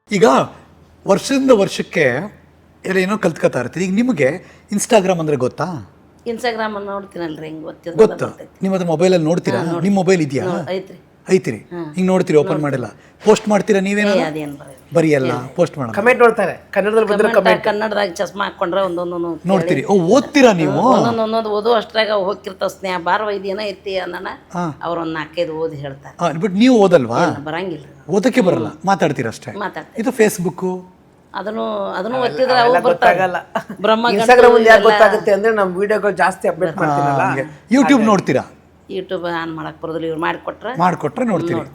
ಈಗ ವರ್ಷದಿಂದ ವರ್ಷಕ್ಕೆ ಎಲ್ಲ ಏನೋ ಕಲ್ತ್ಕೊತಾ ಇರ್ತೀರಿ. ಈಗ ನಿಮಗೆ ಇನ್ಸ್ಟಾಗ್ರಾಮ್ ಅಂದರೆ ಗೊತ್ತಾ? ಇನ್ಸ್ಟಾಗ್ರಾಮ್ ನೋಡ್ತೀನಲ್ರಿ, ಹಿಂಗೆ ಗೊತ್ತಿಲ್ಲ. ಗೊತ್ತಾ? ನಿಮ್ಮ ಅದು ಮೊಬೈಲಲ್ಲಿ ನೋಡ್ತೀರಾ? ನಿಮ್ಮ ಮೊಬೈಲ್ ಇದೆಯಾ? ಐತ್ರಿ. ಐತಿರಿ. ಹಿಂಗೆ ನೋಡ್ತೀರಿ, ಓಪನ್ ಮಾಡಿಲ್ಲ. ಪೋಸ್ಟ್ ಮಾಡ್ತೀರಾ ನೀವೇನೋ? ಅದೇನು ಬರೀ ಬರೀ ಎಲ್ಲ ಪೋಸ್ಟ್ ಮಾಡೋಣ. ಕಮೆಂಟ್ ನೋಡ್ತಾರೆ ಕನ್ನಡದಲ್ಲಿ ಬಂದ್ರೆ ಕನ್ನಡದಾಗ ಚಸ್ಮಾ ಹಾಕೊಂಡ್ರೆ ಒಂದೊಂದು ನೋಡ್ತೀರಿ. ಓ, ಓದ್ತೀರಾ ನೀವು? ಒಂದೊಂದು ಓದು ಅಷ್ಟ್ರಾಗ ಹೋಗಿರ್ತಾವ. ಸ್ನೇಹ ಬಾರವ ಇದೇನ ಐತಿ ಅನ್ನೋಣ ಅವ್ರು ಒಂದು 4-5 ಓದಿ ಹೇಳ್ತಾರೆ. ಬಟ್ ನೀವು ಓದಲ್ವಾ? ಬರಂಗಿಲ್ಲ, ಓದಕ್ಕೆ ಬರಲ್ಲ, ಮಾತಾಡ್ತೀರಾ ಅಷ್ಟೇ. ಮಾತಾಡ್ತಾರೆ. ಇದು ಫೇಸ್ಬುಕ್ಕು ಅದನ್ನು ಒತ್ತಿದ್ರೆ ಅವು ಗೊತ್ತಾಗಲ್ಲ. ಬ್ರಹ್ಮ ಇನ್ಸ್ಟಾಗ್ರಾಮ್ ಯಾಕೆ ಗೊತ್ತಾಗುತ್ತೆ ಅಂದ್ರೆ ನಮ್ಮ ವಿಡಿಯೋಗಳು ಜಾಸ್ತಿ ಅಪ್ಡೇಟ್ ಮಾಡ್ತೀನಲ್ಲ. ಯೂಟ್ಯೂಬ್ ನೋಡ್ತೀರಾ? ಯೂಟ್ಯೂಬ್ ಆನ್ ಮಾಡಕ್ ಬರೋದಿಲ್ಲ, ಇವ್ರು ಮಾಡಿಕೊಟ್ರೆ ನೋಡ್ತೀರಿ.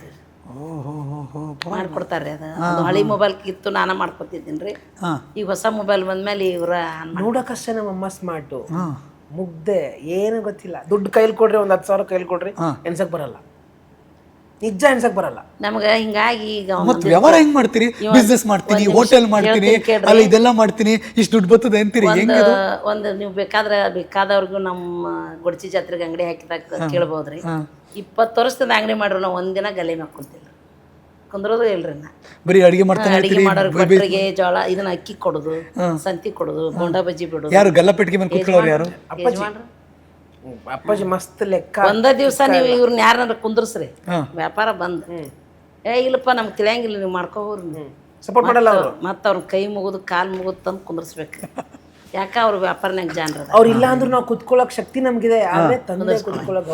ಮಾಡ್ಕೊಡ್ತಾರೆ. ಅದು ಹಳಿ ಮೊಬೈಲ್ ಕಿತ್ತು ನಾನ ಮಾಡ್ಕೊತಿದ್ದೀನಿ ರೀ. ಈಗ ಹೊಸ ಮೊಬೈಲ್ ಬಂದ್ಮೇಲೆ ಇವ್ರ ನೋಡೋಕಷ್ಟೇ ನಮ್ಮಮ್ಮ ಸ್ಮಾರ್ಟು, ಮುಗ್ದೆ, ಏನು ಗೊತ್ತಿಲ್ಲ. ದುಡ್ಡು ಕೈಲಿ ಕೊಡ್ರಿ, ಒಂದು 10,000 ಕೈಲಿ ಕೊಡ್ರಿ, ಎಣ್ಸಕ್ ಬರಲ್ಲ. ನಿಜ ಎಣ್ಸಕ್ ಬರಲ್ಲ ನಮ್ಗೆ. ಹಿಂಗಾಗಿ ಈಗ ಮತ್ತೆ ವ್ಯವಹಾರ ಹೆಂಗ್ ಮಾಡ್ತೀರಿ? ಬಿಸ್ನೆಸ್ ಮಾಡ್ತೀನಿ, ಹೋಟೆಲ್ ಮಾಡ್ತೀನಿ, ಅಲ್ಲಿ ಇದೆಲ್ಲ ಮಾಡ್ತೀನಿ, ಇಷ್ಟು ದುಡ್ಡು ಬರ್ತದೆ ಅಂತೀರಿ. ಒಂದು ನೀವು ಬೇಕಾದವ್ರಿಗೂ ನಮ್ಮ ಗೊಡಚಿ ಜಾತ್ರೆಗೆ ಅಂಗಡಿ ಹಾಕಿದಾಗ ಕೇಳ್ಬೋದ್ರಿ. 20 ವರ್ಷದ ಅಂಗಡಿ ಮಾಡ್ರು ನಾವು ಒಂದಿನ ಗಲೆ ಹಾಕೊಂತಿಲ್ಲ, ಕುಂದ್ರೋದು ಇಲ್ರಿ. ನಾ ಬರೀ ಅಡಿಗೆ ಮಾಡ್ತಾನೆ ಅಡಿಗೆ ಮಾಡೋರು ಭಟ್ರಿಗೆ ಜೋಳ ಇದನ್ನ ಅಕ್ಕಿ ಕೊಡೋದು, ಸಂತಿ ಕೊಡೋದು, ಬೋಂಡಾ ಬಜ್ಜಿ ಬಿಡೋದು. ಯಾರು ಗಲ್ಲಪೆಟ್ಟಿಗೆ ಮೇಲೆ ಕೂತ್ಕೊಳ್ಳೋರು ಯಾರು? ಅಪ್ಪಾಜಿ ಮಸ್ತ್ ಲೆಕ್ಕ. ಒಂದ ದಿವ್ಸ ನೀವು ಇವ್ರನ್ನ ಯಾರನ್ನಾರ ಕುಂದ್ರಸ್ರಿ, ವ್ಯಾಪಾರ ಬಂದ್ ಇಲ್ಲಪ್ಪ ನಮ್ಗೆ ತಿಳಿಯಂಗಿಲ್ಲ, ನೀವು ಮಾಡ್ಕೋವ್ರಿ ಸಪೋರ್ಟ್ ಮಾಡಲ್ಲ ಅವರು. ಮತ್ತೆ ಅವ್ರ ಕೈ ಮುಗಿದು ಕಾಲು ಮುಗಿದು ತಂದು ಕುಂದ್ರಸ್ಬೇಕು. ಯಾಕ ಅವ್ರ ವ್ಯಾಪಾರನಾಗ ಜಾನ್ರ ಅವ್ರು ಇಲ್ಲ ಅಂದ್ರೂ ನಾವು ಕುತ್ಕೊಳ್ಳೋಕೆ ಶಕ್ತಿ ನಮ್ಗಿದೆ, ಆದ್ರೆ ತಂದೆ ಕುತ್ಕೊಳ್ಳೋಕೆ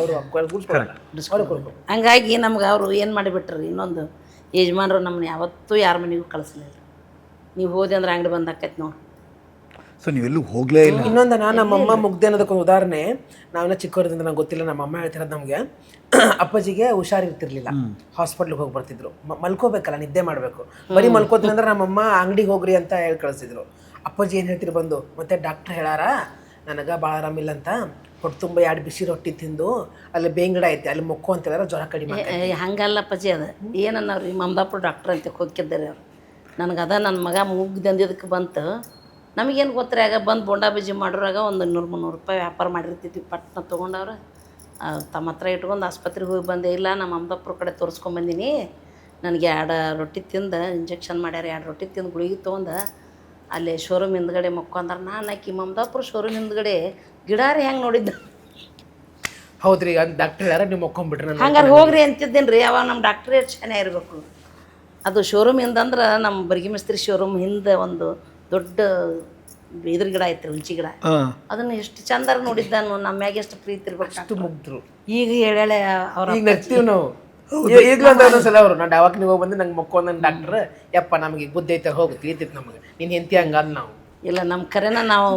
ಅವರು ಹಂಗಾಗಿ ನಮ್ಗೆ ಅವರು ಏನು ಮಾಡಿಬಿಟ್ರಿ, ಇನ್ನೊಂದು ಯಜಮಾನ್ರು ನಮ್ಮನ್ನ ಯಾವತ್ತೂ ಯಾರ ಮನೆಗೂ ಕಳಿಸ್ಲಿಲ್ಲ. ನೀವು ಹೋದೆ ಅಂದ್ರೆ ಅಂಗಡಿ ಬಂದು ಆಕೈತಿ ನೋಡಿ. ಸೊ ನೀವೆಲ್ಲೂ ಹೋಗ್ಲೇ ಇಲ್ಲ. ಇನ್ನೊಂದು ನಮ್ಮಮ್ಮ ಮುಗ್ದೆ ಅನ್ನೋದಕ್ಕೊಂದು ಉದಾಹರಣೆ. ನಾವೆಲ್ಲ ಚಿಕ್ಕವರಿಂದ ನಂಗೆ ಗೊತ್ತಿಲ್ಲ, ನಮ್ಮಮ್ಮ ಹೇಳ್ತಿರೋದು ನಮಗೆ. ಅಪ್ಪಾಜಿಗೆ ಹುಷಾರಿರ್ತಿರ್ಲಿಲ್ಲ, ಹಾಸ್ಪಿಟ್ಲಿಗೆ ಹೋಗಿ ಬರ್ತಿದ್ರು. ಮಲ್ಕೋಬೇಕಲ್ಲ, ನಿದ್ದೆ ಮಾಡಬೇಕು. ಬರೀ ಮಲ್ಕೋತೀನಿ ಅಂದ್ರೆ ನಮ್ಮಮ್ಮ ಅಂಗಡಿಗೆ ಹೋಗ್ರಿ ಅಂತ ಹೇಳಿ ಕಳಿಸ್ತಿದ್ರು. ಅಪ್ಪಾಜಿ ಏನು ಹೇಳ್ತಿರು ಬಂದು, ಮತ್ತೆ ಡಾಕ್ಟ್ರ್ ಹೇಳಾರ ನನಗೆ ಭಾಳ ಆರಾಮಿಲ್ಲ ಅಂತ, ಹೊಟ್ಟೆ ತುಂಬ 2 ಬಿಸಿ ರೊಟ್ಟಿ ತಿಂದು ಅಲ್ಲಿ ಬೇಂಗಡ ಐತೆ ಅಲ್ಲಿ ಮೊಕ್ಕು ಅಂತ ಹೇಳಿದ್ರೆ ಜ್ವರ ಕಡಿಮೆ. ಹಂಗಲ್ಲ ಅಪ್ಪಾಜಿ, ಅದು ಏನನ್ನವ್ರಿ ಮಮದಾಪುರ ಡಾಕ್ಟ್ರ್ ಅಂತ ಹೋಗಿದ್ದಾರೆ ಅವ್ರು. ನನಗೆ ನನ್ನ ಮಗ ಮುಗ್ದಂದಿದ್ದಕ್ಕೆ ಬಂತು. ನಮಗೇನು ಗೊತ್ತರಿ, ಆಗ ಬಂದು ಬೋಂಡಾ ಬಜ್ಜಿ ಮಾಡೋರಾಗ ಒಂದು 200-300 ರೂಪಾಯಿ ವ್ಯಾಪಾರ ಮಾಡಿರ್ತಿದ್ವಿ. ಪಟ್ನ ತೊಗೊಂಡವ್ರು ತಮ್ಮ ಹತ್ರ ಇಟ್ಕೊಂಡು ಆಸ್ಪತ್ರೆಗೆ ಹೋಗಿ ಬಂದೆ. ಇಲ್ಲ ನಮ್ಮ ಅಮ್ಮದಪ್ಪರ ಕಡೆ ತೋರಿಸ್ಕೊಂಬಂದಿನಿ, ನನಗೆ 2 ರೊಟ್ಟಿ ತಿಂದು ಇಂಜೆಕ್ಷನ್ ಮಾಡ್ಯಾರ, 2 ರೊಟ್ಟಿ ತಿಂದು ಗುಳಿಗೆ ತೊಗೊಂಡು ಅಲ್ಲಿ ಶೋರೂಮ್ ಹಿಂದ್ಗಡೆ ಮಕ್ಕೊಂಡ್ರೆ ನಾನು ಆಕಿ ಮಮದಾಪುರ ಶೋರೂಮ್ ಹಿಂದ್ಗಡೆ ಗಿಡಾರಿ ಹೆಂಗೆ ನೋಡಿದ್ದೆ. ಹೌದ್ರಿ, ಡಾಕ್ಟರ್ ಹೇಳ್ಯಾರ ನೀವು ಮಕ್ಕೊಂಡ್ಬಿಟ್ರಿ. ಹಂಗಾರೆ ಹೋಗ್ರಿ ಅಂತಿದ್ದೇನೆ ರೀ. ಅವಾಗ ನಮ್ಮ ಡಾಕ್ಟ್ರೇ ಚೆನ್ನಾಗಿ ಇರಬೇಕು. ಅದು ಶೋರೂಮ್ ಹಿಂದಂದ್ರೆ ನಮ್ಮ ಬರ್ಗಿ ಮಿಸ್ತ್ರಿ ಶೋರೂಮ್ ಹಿಂದೆ ಒಂದು ದೊಡ್ಡ ಇದ್ರ ಗಿಡ ಐತ್ರಿ, ಹುಂಚಿ ಗಿಡ. ಅದನ್ನ ಎಷ್ಟು ಚಂದಾರ ನೋಡಿದ್ದಾನು, ನಮ್ಮ ಮ್ಯಾಗ ಎಷ್ಟು ಪ್ರೀತಿ ಇರ್ಬೇಕು. ಅಷ್ಟು ಮುಗ್ದ್ರು. ಈಗ ಹೇಳೇ ಅವ್ರ ಈಗ ನಗ್ತೀವಿ ನಾವು. ಈಗಲೂ ಅಂತ ಸಲ ಅವರು ನಾನು ಡಾವಾಕ್ ನೀವು ಬಂದು ನಂಗೆ ಮಕ್ಕೊಂದ ಡಾಕ್ಟ್ರ್, ಯಪ್ಪ ನಮಗೆ ಬುದ್ಧಿ ಐತೆ, ಹೋಗಿ ತಿಳಿತೈತೆ ನಮಗೆ, ನೀನು ಹೆಂಡತಿ ಹಂಗ ಅಂದ್ ನಾವು. ಇಲ್ಲ ನಮ್ಮ ಕರೆನ ನಾವು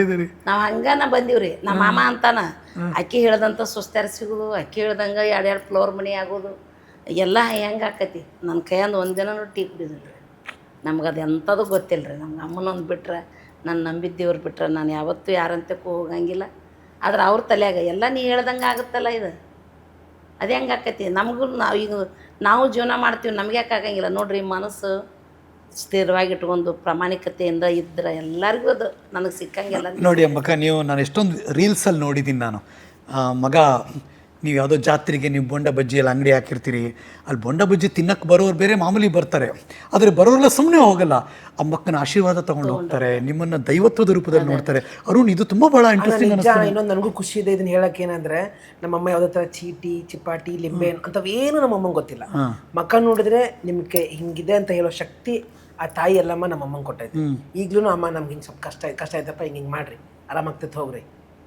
ಹಂಗಾನ ಬಂದೀವ್ರಿ. ನಮ್ಮ ಮಾಮ ಅಂತಾನ ಅಕ್ಕಿ ಹೇಳ್ದಂಥ ಸುಸ್ತಾರ ಸಿಗೋದು, ಅಕ್ಕಿ ಹೇಳ್ದಂಗೆ 2 ಫ್ಲೋರ್ ಮನೆ ಆಗೋದು ಎಲ್ಲ ಹೆಂಗೆ ಆಕತಿ. ನನ್ನ ಕೈಯಂದು ಒಂದಿನ ಟೀ ಕುಡಿದಿಲ್ಲ. ನಮ್ಗೆ ಅದು ಎಂಥದ್ದು ಗೊತ್ತಿಲ್ಲ ರೀ. ನಮ್ಗೆ ಅಮ್ಮನೊಂದು ಬಿಟ್ರೆ, ನಾನು ನಂಬಿದ್ದೇವ್ರು ಬಿಟ್ರೆ ನಾನು ಯಾವತ್ತೂ ಯಾರಂತಕ್ಕೂ ಹೋಗಂಗಿಲ್ಲ. ಆದ್ರೆ ಅವ್ರ ತಲೆಯಾಗ ಎಲ್ಲ ನೀ ಹೇಳ್ದಂಗೆ ಆಗುತ್ತಲ್ಲ, ಇದು ಅದು ಹೆಂಗೆ ಆಕತಿ. ನಮಗೂ ನಾವು ಜೀವನ ಮಾಡ್ತೀವಿ, ನಮ್ಗೆ ಯಾಕೆ ಆಗಂಗಿಲ್ಲ ನೋಡ್ರಿ. ಮನಸ್ಸು ಸ್ಥಿರವಾಗಿ ಇಟ್ಕೊಂಡು ಪ್ರಾಮಾಣಿಕತೆಯಿಂದ ಇದ್ರೆ ಎಲ್ಲರಿಗೂ ಅದು ನನಗೆ ಸಿಕ್ಕಂಗಿಲ್ಲ. ನೋಡಿ ಅಮ್ಮಕ್ಕ, ನಾನು ಎಷ್ಟೊಂದು ರೀಲ್ಸಲ್ಲಿ ನೋಡಿದ್ದೀನಿ ನಾನು. ಮಗ, ನೀವು ಯಾವುದೋ ಜಾತ್ರೆಗೆ ನೀವು ಬೋಂಡ ಬಜ್ಜಿ ಎಲ್ಲ ಅಂಗಡಿ ಹಾಕಿರ್ತೀರಿ, ಅಲ್ಲಿ ಬೋಂಡ ಬಜ್ಜಿ ತಿನ್ನಕ್ಕೆ ಬರೋರು ಬೇರೆ, ಮಾಮೂಲಿ ಬರ್ತಾರೆ. ಆದರೆ ಬರೋರೆಲ್ಲ ಸುಮ್ಮನೆ ಹೋಗಲ್ಲ, ಅಮ್ಮಕ್ಕನ ಆಶೀರ್ವಾದ ತೊಗೊಂಡು ಹೋಗ್ತಾರೆ, ನಿಮ್ಮನ್ನು ದೈವತ್ವದ ರೂಪದಲ್ಲಿ ನೋಡ್ತಾರೆ. ಅರುಣ್, ಇದು ತುಂಬ ಭಾಳ ಇಂಟ್ರೆಸ್ಟಿಂಗ್ ಅನಿಸ್ತದೆ. ಇನ್ನೊಂದು ನನಗೂ ಖುಷಿ ಇದೆ ಇದನ್ನ ಹೇಳಕ್ಕೆ. ಏನಂದ್ರೆ ನಮ್ಮಮ್ಮ ಯಾವುದೇ ಥರ ಚೀಟಿ, ಚಿಪಾಟಿ, ಲಿಂಬೆ ಅಂಥವೇನು ನಮ್ಮಮ್ಮಂಗೆ ಗೊತ್ತಿಲ್ಲ. ಮಕ್ಕ ನೋಡಿದ್ರೆ ನಿಮಗೆ ಹಿಂಗಿದೆ ಅಂತ ಹೇಳೋ ಶಕ್ತಿ ಆ ತಾಯಿ ಎಲ್ಲಮ್ಮ ನಮ್ಮಮ್ಮಂಗೆ ಕೊಟ್ಟೈತೆ. ಈಗಲೂ ಅಮ್ಮ ನಮ್ಗೆ ಹಿಂಗೆ ಸ್ವಲ್ಪ ಕಷ್ಟ ಐತಪ್ಪ, ಹಿಂಗೆ ಮಾಡ್ರಿ, ಆರಾಮಾಗ್ತೈತೆ, ಹೋಗ್ರಿ,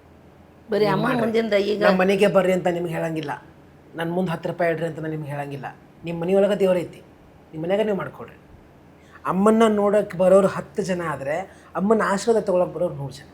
ಬರೀ ಅಮ್ಮ ಮುಂದಿಂದ ಈಗ ನಮ್ಮ ಮನೆಗೆ ಬರ್ರಿ ಅಂತ ನಿಮ್ಗೆ ಹೇಳಂಗಿಲ್ಲ, ನನ್ನ ಮುಂದೆ 10 ರೂಪಾಯಿ ಇಡ್ರಿ ಅಂತ ನಾನು ನಿಮ್ಗೆ ಹೇಳಂಗಿಲ್ಲ. ನಿಮ್ಮ ಮನೆಯೊಳಗೆ ದೇವ್ರೈತಿ, ನಿಮ್ಮ ಮನೆಯಾಗ ನೀವು ಮಾಡ್ಕೊಡ್ರಿ. ಅಮ್ಮನ್ನ ನೋಡೋಕೆ ಬರೋರು 10 ಜನ ಆದರೆ ಅಮ್ಮನ ಆಶೀರ್ವಾದ ತೊಗೊಳಕ್ಕೆ ಬರೋರು 100 ಜನ.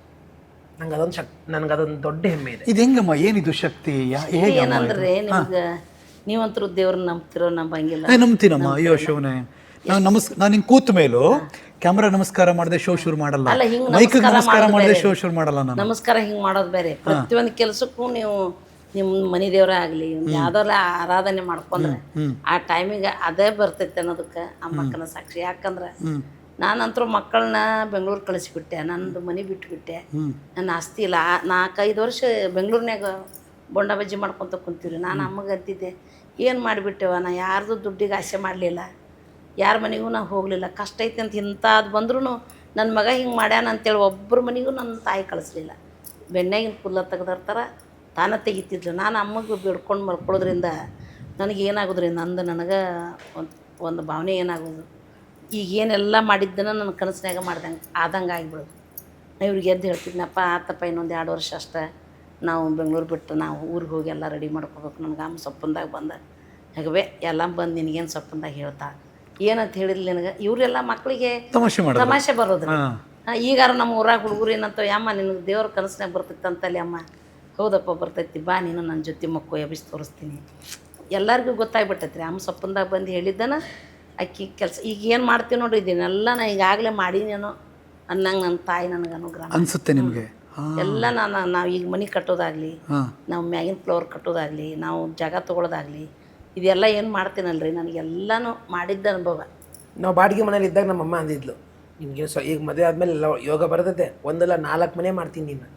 ನನಗೆ ಅದೊಂದು ದೊಡ್ಡ ಹೆಮ್ಮೆ ಇದೆ. ಇದು ಹೆಂಗಮ್ಮ, ಏನಿದು ಶಕ್ತಿ? ಏನಂದ್ರೆ ನಿಮ್ಗೆ ನೀವಂತರೂ ದೇವ್ರನ್ನ ನಂಬ್ತಿರೋ ನಂಬಂಗಿಲ್ಲ. ನಂಬ್ತೀನಮ್ಮ. ಅಯ್ಯೋ ಶಿವನೇ, ನಾನು ಹಿಂಗೆ ಕೂತ ಮೇಲೂ ಕ್ಯಾಮ್ರಾ ನಮಸ್ಕಾರ ಮಾಡದೆ ಶೋ ಶುರು ಮಾಡಲ್ಲ, ಮೈಕ್ ನಮಸ್ಕಾರ ಮಾಡದೆ ಶೋ ಶುರು ಮಾಡಲ್ಲ. ನಾನು ನಮಸ್ಕಾರ ಹಿಂಗೆ ಮಾಡೋದು ಬೇರೆ. ಪ್ರತಿಯೊಂದು ಕೆಲಸಕ್ಕೂ ನೀವು ನಿಮ್ಮ ಮನೆ ದೇವ್ರ ಆಗಲಿ ಯಾವ್ದೆಲ್ಲ ಆರಾಧನೆ ಮಾಡ್ಕೊಂಡ್ರೆ ಆ ಟೈಮಿಗೆ ಅದೇ ಬರ್ತೈತೆ ಅನ್ನೋದಕ್ಕೆ ಅಮ್ಮಕ್ಕನ ಸಾಕ್ಷಿ. ಯಾಕಂದ್ರೆ ನಾನಂತರೂ ಮಕ್ಕಳನ್ನ ಬೆಂಗಳೂರು ಕಳಿಸಿಬಿಟ್ಟೆ, ನಂದು ಮನೆ ಬಿಟ್ಟುಬಿಟ್ಟೆ, ನನ್ನ ಆಸ್ತಿ ಇಲ್ಲ. 4-5 ವರ್ಷ ಬೆಂಗಳೂರಿನಾಗ ಬೋಂಡ ಬಜ್ಜಿ ಮಾಡ್ಕೊತ ಕುಂತೀವ್ರಿ. ನಾನು ಅಮ್ಮಗೆ ಅಂತಿದ್ದೆ, ಏನು ಮಾಡಿಬಿಟ್ಟೆವ, ನಾ ಯಾರ್ದು ದುಡ್ಡಿಗೆ ಆಸೆ ಮಾಡಲಿಲ್ಲ, ಯಾರ ಮನೆಗೂ ನಾವು ಹೋಗಲಿಲ್ಲ. ಕಷ್ಟ ಐತಿ ಅಂತ ಇಂಥದ್ದು ಬಂದ್ರೂ ನನ್ನ ಮಗ ಹಿಂಗೆ ಮಾಡ್ಯಾನ ಅಂತೇಳಿ ಒಬ್ಬರ ಮನೆಗೂ ನನ್ನ ತಾಯಿ ಕಳಿಸ್ಲಿಲ್ಲ. ಬೆಣ್ಣೆಗಿನ ಕೂದಲ ತೆಗೆದಿರ್ತಾರ, ತಾನೇ ತೆಗಿತಿದ್ಲು. ನಾನು ಅಮ್ಮಗೆ ಬಿಡ್ಕೊಂಡು ಮಲ್ಕೊಳ್ಳೋದ್ರಿಂದ ನನಗೆ ಏನಾಗೋದ್ರಿಂದ ನನಗೆ ಒಂದು ಭಾವನೆ ಏನಾಗೋದು, ಈಗ ಏನೆಲ್ಲ ಮಾಡಿದ್ದನ್ನು ನನ್ನ ಕನಸಿನಾಗ ಆದಂಗೆ ಆಗಿಬಿಡೋದು. ನಾ ಇವ್ರಿಗೆ ಎದ್ದು ಹೇಳ್ತಿದ್ನಪ್ಪ, ಆತಪ್ಪ ಇನ್ನೊಂದು 2 ವರ್ಷ ಅಷ್ಟೇ, ನಾವು ಬೆಂಗಳೂರು ಬಿಟ್ಟು ನಾವು ಊರಿಗೆ ಹೋಗಿ ಎಲ್ಲ ರೆಡಿ ಮಾಡ್ಕೋಬೇಕು. ನನಗೆ ಅಮ್ಮ ಸೊಪ್ಪಂದಾಗ ಬಂದ ಹಾಗವೇ ಎಲ್ಲ ಬಂದು ನಿನಗೇನು ಸೊಪ್ಪಂದಾಗ ಹೇಳ್ತಾ ಏನಂತ ಹೇಳಿದ್ಲಿ ನನಗೆ. ಇವರೆಲ್ಲ ಮಕ್ಕಳಿಗೆ ತಮಾಷೆ ಬರೋದು. ಈಗಾರ ನಮ್ಮ ಊರಾಗ ಹುಡುಗರು ಏನಂತ, ಅಮ್ಮ ನಿನಗೆ ದೇವ್ರ ಕನಸಿನಾಗ ಬರ್ತೈತೆ ಅಂತಲ್ಲಿ. ಅಮ್ಮ ಹೌದಪ್ಪ ಬರ್ತೈತಿ, ಬಾ ನೀನು ನನ್ನ ಜೊತೆ ಮಕ್ಕಳು ಎಬ್ಬಿಸಿ ತೋರಿಸ್ತೀನಿ. ಎಲ್ಲರಿಗೂ ಗೊತ್ತಾಗ್ಬಿಟ್ಟೈತ್ರಿ ಅಮ್ಮ ಸೊಪ್ಪಂದಾಗ ಬಂದು ಹೇಳಿದ್ದಾನ ಅಕ್ಕಿ ಕೆಲಸ. ಈಗ ಏನು ಮಾಡ್ತೀವಿ ನೋಡ್ರಿ, ಇದನ್ನೆಲ್ಲ ನಾ ಈಗಾಗಲೇ ಮಾಡೀನೇನೋ ಅನ್ನಂಗೆ ನನ್ನ ತಾಯಿ ನನಗೆ ಅನುಗ್ರಹ ಅನಿಸುತ್ತೆ ನಿಮಗೆ. ಎಲ್ಲ ನಾವು ಈಗ ಮನೆ ಕಟ್ಟೋದಾಗಲಿ, ನಾವು ಮ್ಯಾಗಿನ ಫ್ಲೋರ್ ಕಟ್ಟೋದಾಗಲಿ, ನಾವು ಜಾಗ ತೊಗೊಳೋದಾಗಲಿ, ಇದೆಲ್ಲ ಏನು ಮಾಡ್ತೀನಲ್ರಿ ನನಗೆಲ್ಲನೂ ಮಾಡಿದ್ದ ಅನುಭವ. ನಾವು ಬಾಡಿಗೆ ಮನೇಲಿ ಇದ್ದಾಗ ನಮ್ಮಮ್ಮ ಅಂದಿದ್ಲು, ನಿನಗೆ ಈಗ ಮದುವೆ ಆದಮೇಲೆ ಎಲ್ಲ ಯೋಗ ಬರ್ತೈತೆ, ಒಂದಲ್ಲ 4 ಮನೆ ಮಾಡ್ತೀನಿ ನೀನು.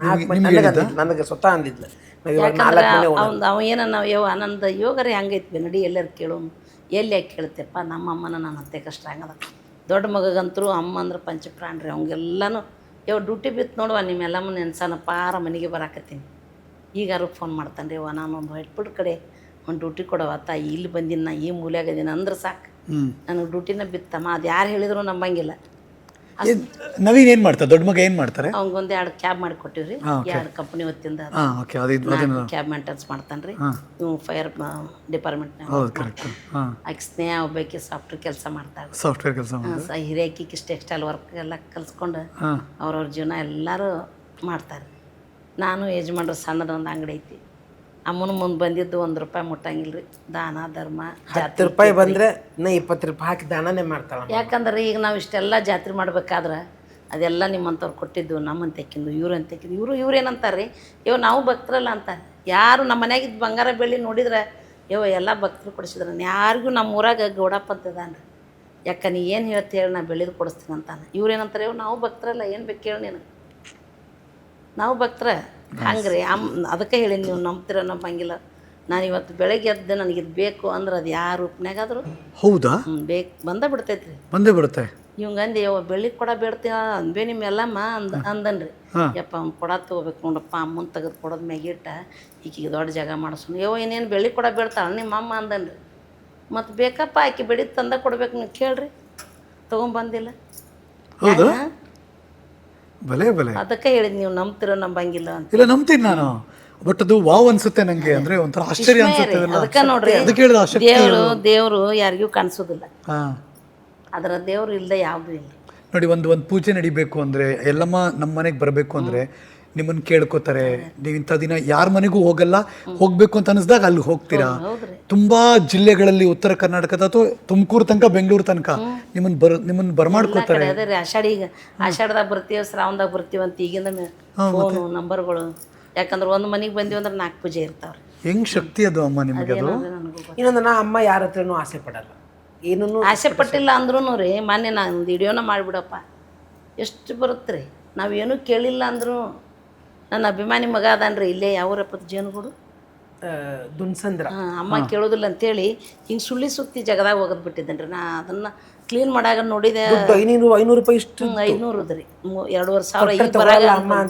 ನನಗೆ ಸ್ವತಃ ಅಂದಿದ್ಲು. ಅವ ಏನನ್ನ ಯವ್ವ ನಂದು ಯೋಗರೇ ಹಂಗೈತಿ ನಡಿ ಎಲ್ಲರೂ ಕೇಳೋನು. ಎಲ್ಲಿ ಯಾಕೆ ಕೇಳ್ತೆಪ್ಪ, ನಮ್ಮಮ್ಮನ ನನ್ನ ಅತ್ತೆ ಕಷ್ಟ ಹಂಗದ. ದೊಡ್ಡ ಮಗಗಂತರೂ ಅಮ್ಮ ಅಂದ್ರೆ ಪಂಚಪ್ರಾಣ್ರಿ. ಅವಂಗೆಲ್ಲನೂ ಡ್ಯೂಟಿ ಬಿತ್ತು ನೋಡುವ, ನಿಮ್ಮೆಲ್ಲಮ್ಮ ನೆನ್ಸಾನ ಪಾರ ಮನೆಗೆ ಬರಾಕತ್ತೀನಿ. ಈಗಾರು ಫೋನ್ ಮಾಡ್ತಾನೆ ರೀ, ನಾನು ಒಂದು ಹೊಟ್ಬಿಡ್ ಕಡೆ ಒಂದು ಡ್ಯೂಟಿ ಕೊಡವ ತಾಯಿ, ಇಲ್ಲಿ ಬಂದಿನ ನಾ ಈ ಮೂಲೆಯಾಗದೀನಿ ಅಂದ್ರೆ ಸಾಕು, ನನಗೆ ಡ್ಯೂಟಿನ ಬಿತ್ತಮ್ಮ. ಅದು ಯಾರು ಹೇಳಿದ್ರು ನಂಬಂಗಿಲ್ಲ. ನವೀನ್ ಏನು ಮಾಡ್ತಾರೆ, ದೊಡ್ಡ ಮಗ ಏನು ಮಾಡ್ತಾರೆ? ಅವ್ಗೊಂದು 2 ಕ್ಯಾಬ್ ಮಾಡಿ ಕೊಟ್ಟಿವ್ರಿ, 2 ಕಂಪ್ನಿ ಹೊತ್ತಿಂದ ಕ್ಯಾಬ್ ಮೇಂಟೆನ್ಸ್ ಮಾಡ್ತಾನೆ ರೀ. ಇವು ಫೈರ್ ಡಿಪಾರ್ಟ್ಮೆಂಟ್ನಾಗ. ಆಕೆ ಸ್ನೇಹ ಒಬ್ಬಾಕಿ ಸಾಫ್ಟ್ವೇರ್ ಕೆಲಸ ಮಾಡ್ತಾಳೆ. ಸಾಫ್ಟ್ವೇರ್ ಕೆಲಸ ಹಿರಿಯಾಕಿಗೆ ಟೆಕ್ಸ್ಟೈಲ್ ವರ್ಕ್ ಎಲ್ಲ ಕಲ್ಸ್ಕೊಂಡು ಅವ್ರವ್ರ ಜೀವನ ಎಲ್ಲರೂ ಮಾಡ್ತಾರೆ. ನಾನು ಯಜಮಾನ್ರು ಸಣ್ಣದೊಂದು ಅಂಗಡಿ ಐತಿ. ಅಮ್ಮನ ಮುಂದೆ ಬಂದಿದ್ದು ₹1 ಮುಟ್ಟಂಗಿಲ್ಲ ರೀ. ದಾನ ಧರ್ಮ ₹10 ಬಂದರೆ ಇನ್ನು ₹20 ಹಾಕಿ ದಾನನೇ ಮಾಡ್ತಾಳೆ. ಯಾಕಂದ್ರೆ ಈಗ ನಾವು ಇಷ್ಟೆಲ್ಲ ಜಾತ್ರೆ ಮಾಡ್ಬೇಕಾದ್ರೆ ಅದೆಲ್ಲ ನಿಮ್ಮಂಥವ್ರು ಕೊಟ್ಟಿದ್ದು, ನಮ್ಮಂತ ತೆಕ್ಕಿದ್ದು, ಇವ್ರು ಅಂತ ತೆಕ್ಕಿದ್ದು. ಇವ್ರು ಏನಂತಾರೆ ರೀ, ನಾವು ಭಕ್ತರಲ್ಲ ಅಂತಾರೆ. ಯಾರು ನಮ್ಮ ಮನೆಯಾಗಿದ್ದು ಬಂಗಾರ ಬೆಳ್ಳಿ ನೋಡಿದ್ರೆ ಎಲ್ಲ ಭಕ್ತರು ಕೊಡಿಸಿದ್ರೆ. ಯಾರಿಗೂ ನಮ್ಮ ಊರಾಗ ಗೌಡಪ್ಪ ಅಂತದಾನ ರೀ, ಯಾಕೆ ನೀ ಏನು ಹೇಳ್ತಿ ಹೇಳಿ, ನಾ ಬೆಳೆದು ಕೊಡಿಸ್ತೀನಿ ಅಂತಾನೆ. ಇವ್ರೇನಂತಾರೆ, ನಾವು ಭಕ್ತರಲ್ಲ, ಏನು ಬೇಕು ಹೇಳಿ ನೀನು, ನಾವು ಭಕ್ತರ ಹಂಗೆ ರೀ. ಅದಕ್ಕೆ ಹೇಳಿ ನೀವು ನಂಬ್ತಿರೋ ನಂಬಂಗಿಲ್ಲ. ನಾನು ಇವತ್ತು ಬೆಳಗ್ಗೆ ಎದ್ದು ನನಗಿದು ಬೇಕು ಅಂದ್ರೆ ಅದು ಯಾವ ರೂಪನಾಗಾದ್ರು ಹೌದಾ ಬೇಕು ಬಂದ ಬಿಡ್ತೈತ್ರಿ, ಬಂದೇ ಬಿಡುತ್ತೆ. ಇವಂಗಂದು ಬೆಳ್ಳಿ ಕೊಡ ಬೇಡ್ತೀವ ಅಂದ್ಬೇ ನಿಮ್ಮೆಲ್ಲಮ್ಮ ಅಂದನ್ರಿ. ಯಪ್ಪ ಅವ್ನು ಕೊಡ ತೊಗೋಬೇಕು ನೋಡಪ್ಪ, ಅಮ್ಮನ ತೆಗೆದು ಕೊಡೋದು ಮ್ಯಾಗಿಟ್ಟ ಈಕಿಗೆ ದೊಡ್ಡ ಜಾಗ ಮಾಡಿಸೋನು. ಇನ್ನೇನು ಬೆಳ್ಳಿ ಕೊಡ ಬೇಡ್ತಾಳೆ ನಿಮ್ಮ ಅಮ್ಮ ಅಂದನ್ರಿ. ಮತ್ತು ಬೇಕಪ್ಪ ಆಕೆ ಬೆಳಿ ತಂದ ಕೊಡ್ಬೇಕು, ನೀವು ಕೇಳ್ರಿ, ತೊಗೊಂಬಂದಿಲ್ಲ. ಅದಕ್ಕೆ ಹೇಳಿದ್ ನೀವು ನಂಬ್ತಿರೋ ನಂಬಂಗಿಲ್ಲ ಅಂತ. ಇಲ್ಲ ನಂಬ್ತೀನಿ ನಾನು, ಬಟ್ ಅದು ವಾವ್ ಅನ್ಸುತ್ತೆ ನಂಗೆ. ಅಂದ್ರೆ ಒಂಥರ ಆಶ್ಚರ್ಯ ಅನ್ಸುತ್ತೆ. ಅದಕ್ಕೆ ನೋಡ್ರಿ, ದೇವ್ರು ಯಾರಿಗೂ ಕಾಣಿಸೋದಿಲ್ಲ. ಅದರ ದೇವ್ರು ಇಲ್ಲದೆ ಯಾವುದೂ ಇಲ್ಲ ನೋಡಿ. ಒಂದು ಪೂಜೆ ನಡಿಬೇಕು ಅಂದ್ರೆ, ಎಲ್ಲಮ್ಮ ನಮ್ಮ ಮನೆಗೆ ಬರಬೇಕು ಅಂದ್ರೆ ನಿಮ್ಮನ್ನ ಕೇಳ್ಕೊತಾರೆ. ನೀವು ಇಂಥ ದಿನ ಯಾರ ಮನೆಗೂ ಹೋಗಲ್ಲ, ಹೋಗ್ಬೇಕು ಅಂತ ಅನಿಸ್ದಾಗ ಅಲ್ಲಿ ಹೋಗ್ತೀರಾ. ತುಂಬಾ ಜಿಲ್ಲೆಗಳಲ್ಲಿ ಉತ್ತರ ಕರ್ನಾಟಕದ ಅಥವಾ ತುಮಕೂರು ತನಕ, ಬೆಂಗಳೂರು ತನಕ ನಿಮ್ಮನ್ನ ಬರಮಾಡ್ಕೋತಾರೆ. ಅದೇ ರೀ, ಆಷಾಢದಾಗ ಬರ್ತೀವಿ, ಶ್ರಾವಣದಾಗ ಬರ್ತೀವಿ ಅಂತ ಈಗಿಂದ ಫೋನು ನಂಬರ್ಗಳು. ಯಾಕಂದ್ರೆ ಒಂದು ಮನೆಗೆ ಬಂದೀವಿ ಅಂದ್ರೆ 4 ಪೂಜೆ ಇರ್ತಾವ್ರಿ. ಹೆಂಗ್ ಶಕ್ತಿ ಅದು ಅಮ್ಮ ನಿಮಗೆ? ಅದು ಇನ್ನೊಂದು, ನಾ ಅಮ್ಮ ಯಾರ ಹತ್ರನೂ ಆಸೆ ಪಡಲ್ಲ, ಏನೂ ಆಸೆ ಪಟ್ಟಿಲ್ಲ ಅಂದ್ರೂ ರೀ. ಮೊನ್ನೆ ನಾನು ಒಂದು ವಿಡಿಯೋನ ಮಾಡಿಬಿಡಪ್ಪ, ಎಷ್ಟು ಬರುತ್ತೆ ರೀ. ನಾವೇನೂ ಕೇಳಿಲ್ಲ ಅಂದರೂ ನನ್ನ ಅಭಿಮಾನಿ ಮಗ ಅದಾನ್ರಿ, ಇಲ್ಲೇ ಯಾವೂರಪ್ಪ ಜೇನುಗೂಡು ದುನ್ಸಂದ್ರ. ಅಮ್ಮ ಕೇಳೋದಿಲ್ಲ ಅಂತೇಳಿ ಹಿಂಗೆ ಸುಳ್ಳಿ ಸುತ್ತಿ ಜಗದಾಗ ಹೋಗೋದು ಬಿಟ್ಟಿದ್ದೇನೆ ರೀ. ನಾ ಅದನ್ನು ಕ್ಲೀನ್ ಮಾಡಾಗ ನೋಡಿದೆ, ₹500 ಇಷ್ಟು 500 ರೀ, 2,500. ಈಗ ಬರಾಗ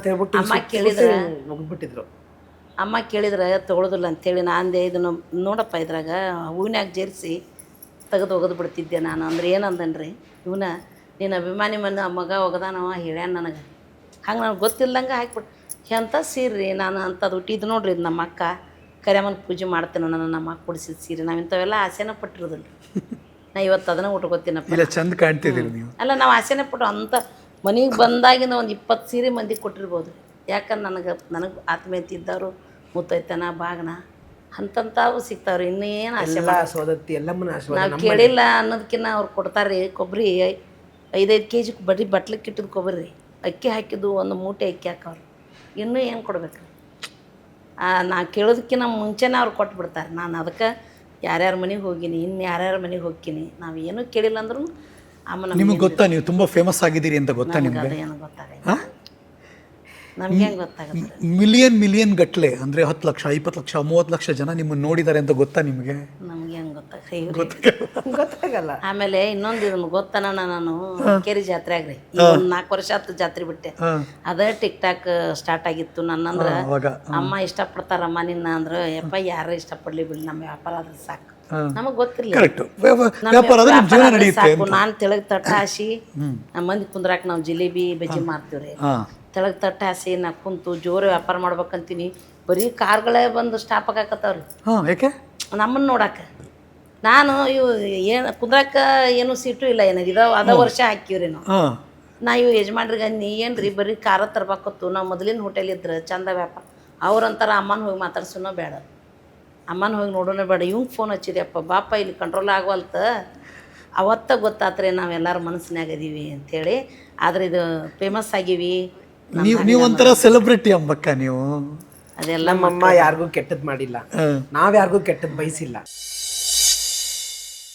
ಅಮ್ಮ ಕೇಳಿದ್ರೆ ತೊಗೊಳೋದಿಲ್ಲ ಅಂತೇಳಿ ನಾ ಅಂದೆ, ಇದನ್ನು ನೋಡಪ್ಪ ಇದ್ರಾಗ ಹೂವಿನಾಗ ಜೇರಿಸಿ ತೆಗೆದು ಒಗೆದು ಬಿಡ್ತಿದ್ದೆ ನಾನು. ಅಂದ್ರೆ ಏನಂದನ್ರಿ, ಇವನ ನೀನು ಅಭಿಮಾನಿ ಮಗ ಒಗದಾನವ ಹೇಳ್ಯಾನ ನನಗೆ. ಹಂಗೆ ನನಗೆ ಗೊತ್ತಿಲ್ಲದಂಗೆ ಹಾಕ್ಬಿಟ್ಟು ಎಂಥ ಸೀರೆ ನಾನು ಅಂಥದ್ದು ಹುಟ್ಟಿದ್ದು ನೋಡ್ರಿ. ಇದು ನಮ್ಮ ಅಕ್ಕ ಕರಿಯಮ್ಮನ ಪೂಜೆ ಮಾಡ್ತೇನೆ, ನಮ್ಮ ಅಕ್ಕ ಕೊಡಿಸಿದ ಸೀರೆ. ನಾವು ಇಂಥವೆಲ್ಲ ಆಸೆನ ಪಟ್ಟಿರೋದಿಲ್ಲ. ನಾ ಇವತ್ತು ಅದನ್ನ ಉಟ್ಕೋತೀನಪ್ಪ, ಚಂದ ಕಾಣ್ತಿದ್ದೀರಿ ನೀವು. ಅಲ್ಲ, ನಾವು ಆಸೆನೇ ಪಟ್ಟು ಅಂಥ ಮನೆಗೆ ಬಂದಾಗಿನ ಒಂದು 20 ಸೀರೆ ಮಂದಿಗೆ ಕೊಟ್ಟಿರ್ಬೋದು. ಯಾಕಂದ್ರೆ ನನಗೆ ಆತ್ಮೀಯತೆ ಇದ್ದವರು, ಮುತ್ತೈತನ ಬಾಗನ ಅಂತಂತಾವು ಸಿಗ್ತಾವ್ರಿ. ಇನ್ನೇನು ಆಸೆ ನಾವು ಕೇಳಿಲ್ಲ ಅನ್ನೋದಕ್ಕಿಂತ ಅವ್ರು ಕೊಡ್ತಾರೆ. ಕೊಬ್ಬರಿ 5-5 kg ಬಟ್ಲಿಕ್ಕೆ ಇಟ್ಟಿದ್ದು ಕೊಬ್ಬರಿ, ಅಕ್ಕಿ ಹಾಕಿದ್ದು 1 ಮೂಟೆ ಅಕ್ಕಿ ಹಾಕವ್ರು. ಇನ್ನೂ ಏನು ಕೊಡ್ಬೇಕು? ನಾ ಕೇಳೋದಕ್ಕಿಂತ ಮುಂಚೆನೇ ಅವ್ರು ಕೊಟ್ಬಿಡ್ತಾರೆ. ನಾನು ಅದಕ್ಕೆ ಯಾರ್ಯಾರ ಮನೆಗೆ ಹೋಗಿನಿ, ಇನ್ನು ಯಾರ್ಯಾರ ಮನೆಗೆ ಹೋಗ್ತೀನಿ, ನಾವು ಏನೂ ಕೇಳಿಲ್ಲ ಅಂದ್ರೂ ಅಮ್ಮ ನಿಮಗೆ ಗೊತ್ತಾ, ನೀವು ತುಂಬ ಫೇಮಸ್ ಆಗಿದ್ದೀರಿ ಅಂತ ಗೊತ್ತಾ ನಿಮಗೆ? ಅದೇನು ಗೊತ್ತಾಗ ನಮ್ಗೆ ಹೆಂಗೆ ಗೊತ್ತಾಗುತ್ತೆ? ಮಿಲಿಯನ್ ಗಟ್ಟಲೆ ಅಂದರೆ 10 ಲಕ್ಷ, 20 ಲಕ್ಷ, 30 ಲಕ್ಷ ಜನ ನಿಮ್ಮನ್ನು ನೋಡಿದ್ದಾರೆ ಅಂತ ಗೊತ್ತಾ ನಿಮಗೆ? ನಮ್ಗೆ ಹೆಂಗೆ ಗೊತ್ತಾಗುತ್ತೆ? ಗೊತ್ತಾಗಲ್ಲ. ಆಮೇಲೆ ಇನ್ನೊಂದು ಇದನ್ನು ಗೊತ್ತನ ನಾನು ಕೆರಿ ಜಾತ್ರೆಯಾಗ ರೀ ಈಗ ಒಂದು 4 ವರ್ಷ ಆಯ್ತು ಜಾತ್ರೆ ಬಿಟ್ಟೆ. ಅದೇ ಟಿಕ್ ಟಾಕ್ ಸ್ಟಾರ್ಟ್ ಆಗಿತ್ತು ನನ್ನಂದ್ರ ಅಮ್ಮ ಇಷ್ಟಪಡ್ತಾರಮ್ಮ ನಿನ್ನ ಅಂದ್ರೆ ಯಪ್ಪ ಯಾರು ಇಷ್ಟಪಡ್ಲಿ ಬಿಡಿ ನಮ್ಮ ವ್ಯಾಪಾರ ಆದ್ರೆ ಸಾಕು ನಮಗ್ ಗೊತ್ತಿರ್ಲಿಲ್ಲ ಸಾಕು. ನಾನ್ ತೆಳಗ್ ತಟ್ಟ ಹಾಸಿ ನಮ್ಮ ಮಂದಿ ಕುಂದ್ರಾಕ ನಾವು ಜಿಲೇಬಿ ಬಜ್ಜಿ ಮಾರ್ತೀವ್ರಿ. ತೆಳಗ್ ತಟ್ಟ ಹಾಸಿ ನಾ ಕುಂತು ಜೋರು ವ್ಯಾಪಾರ ಮಾಡ್ಬೇಕಂತೀನಿ. ಬರೀ ಕಾರ್ಗಳೇ ಬಂದು ಸ್ಟಾಪ್ ಆಗಾಕತ್ತಾವ್ರಿ ನಮ್ಮನ್ನ ನೋಡಾಕ. ನಾನು ಇವು ಏನು ಕುಂದ್ರಾಕ ಏನು ಸೀಟು ಇಲ್ಲ ಏನಾಗ ಇದಾವ ಅದ ವರ್ಷ ಹಾಕಿವ್ರಿ ನಾವು. ನಾ ಇವು ಯಜಮಾನ್ರಿಗೆ ನೀ ಏನ್ರಿ ಬರೀ ಕಾರ ತರ್ಬೇಕತ್ತು ನಾವು ಮೊದಲಿನ ಹೋಟೆಲ್ ಇದ್ರೆ ಚಂದ ವ್ಯಾಪಾರ. ಅವ್ರಂತಾರ ಅಮ್ಮನ ಹೋಗಿ ಮಾತಾಡ್ಸೋನೋ ಬೇಡ, ಅಮ್ಮನ ಹೋಗಿ ನೋಡೋಣ ಬೇಡ. ಇವಂಗೆ ಫೋನ್ ಹಚ್ಚಿದೆಯಪ್ಪ ಬಾಪ ಇಲ್ಲಿ ಕಂಟ್ರೋಲ್ ಆಗವಲ್ತ. ಅವತ್ತ ಗೊತ್ತಾತ್ರೆ ನಾವೆಲ್ಲರ ಮನಸ್ಸಿನಾಗ ಅದೀವಿ ಅಂಥೇಳಿ. ಆದ್ರೆ ಇದು ಫೇಮಸ್ ಆಗೀವಿ. ನೀವು ಒಂಥರ ಸೆಲೆಬ್ರಿಟಿ ಅಂಬಕ್ಕ ನೀವು. ಅದೆಲ್ಲ ನಮ್ಮಮ್ಮ ಯಾರಿಗೂ ಕೆಟ್ಟದ್ ಮಾಡಿಲ್ಲ, ನಾವ್ ಯಾರಿಗೂ ಕೆಟ್ಟದ್ ಬಯಸಿಲ್ಲ.